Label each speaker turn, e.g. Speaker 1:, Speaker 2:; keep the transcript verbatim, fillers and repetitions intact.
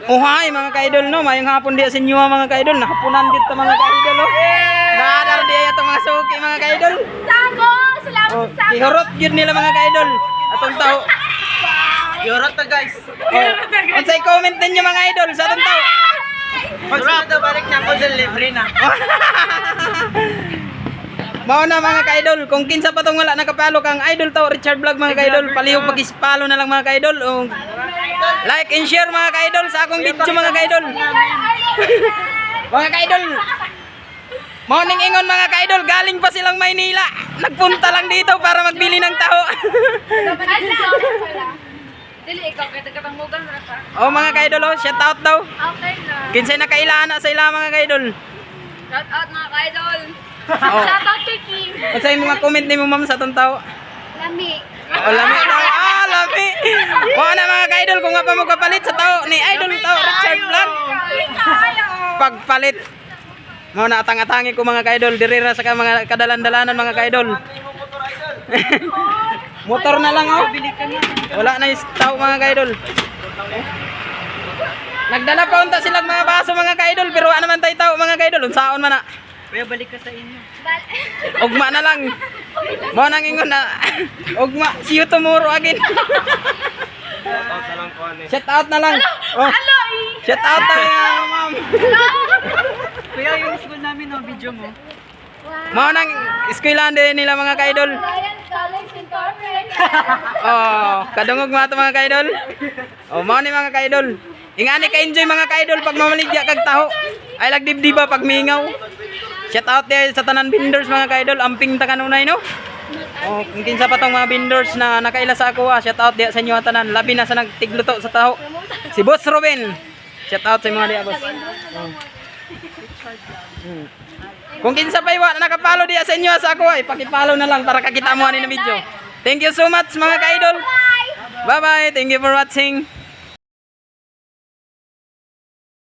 Speaker 1: Uhay mga ka-idol no, mayong hapon diya sa inyo mga ka-idol, nakapunan dito mga ka-idol oh. Nadar diya itong mga suki mga ka-idol.
Speaker 2: Sako! Salamat
Speaker 1: Oh,
Speaker 2: sa sako!
Speaker 1: ihurot yun nila mga ka-idol. Atong tao.
Speaker 3: Yorot na guys.
Speaker 1: Oh, unsay comment ninyo mga idol sa atong tao.
Speaker 3: Magsunod na balik na ako libre na.
Speaker 1: Mao na mga ka-idol, kung kinsa pa tong wala nakapalo kang idol tao Richard Vlog mga ka-idol, palihog pag-ispalo na lang mga ka-idol. Oh, like and share mga ka-idol sa akong video mga ka-idol. Mga ka-idol. Morning ingon mga ka-idol, galing pa silang Maynila. Nagpunta lang dito para magbili ng taho.
Speaker 2: Dili, ikaw kaya tagatangmugan na ka.
Speaker 1: Oh mga ka-idol, oh, shout out daw.
Speaker 2: Okay na.
Speaker 1: Kinsay nakailana sa ila mga ka-idol.
Speaker 2: Shout out mga ka-idol.
Speaker 1: Oh.
Speaker 2: Shout out kay Kim.
Speaker 1: Unsay mga comment nimo ma'am sa atong taho?
Speaker 2: Lami.
Speaker 1: Oh, lami daw. Ah, lami. Mo na mga ka-idol kung nga pa mo kapalit sa taho ni idol tao Richard Vlog. Pagpalit. Mo na atang-atangi ko mga ka-idol, diri ra sa ka- mga kadalan-dalanan mga ka-idol. Motor na lang oh. Wala na yung tao mga ka-idol. Nagdala pa unta silang mga baso mga ka-idol, pero wala naman tayo tao mga ka-idol. Unsaon man na.
Speaker 3: Kuya balik ka sa inyo.
Speaker 1: Ugma na lang. Mo nang ingon na. Ugma, see you tomorrow again. Shout out na lang. Oh. Shout out na lang, ma'am.
Speaker 3: Kuya yung school namin no, video mo.
Speaker 1: Mo nang eskwelahan din nila mga ka-idol.
Speaker 2: Ryan College Incorporated.
Speaker 1: Oh, kadungog mga to mga ka-idol. Oh, mao ni mga ka-idol. Ingani ka-enjoy mga ka-idol pag mamaligya kag taho. Ay lagdibdiba pag mingaw. Shout out there sa tanan vendors mga ka-idol, amping ta kanunay no. Oh, kung kinsa pa tong mga vendors na nakaila sa ako, ah, shout out diya sa inyo tanan. Labi na sa nagtigluto sa taho. Si Boss Ruben. Shout out sa mga diya boss. Oh. Hmm. Kung kinsa pa iwa na nakapalo diya sa inyo sa ako, ay paki-follow na lang para kakita mo ani na video. Thank you so much mga ka-idol. Bye bye. Thank you for watching.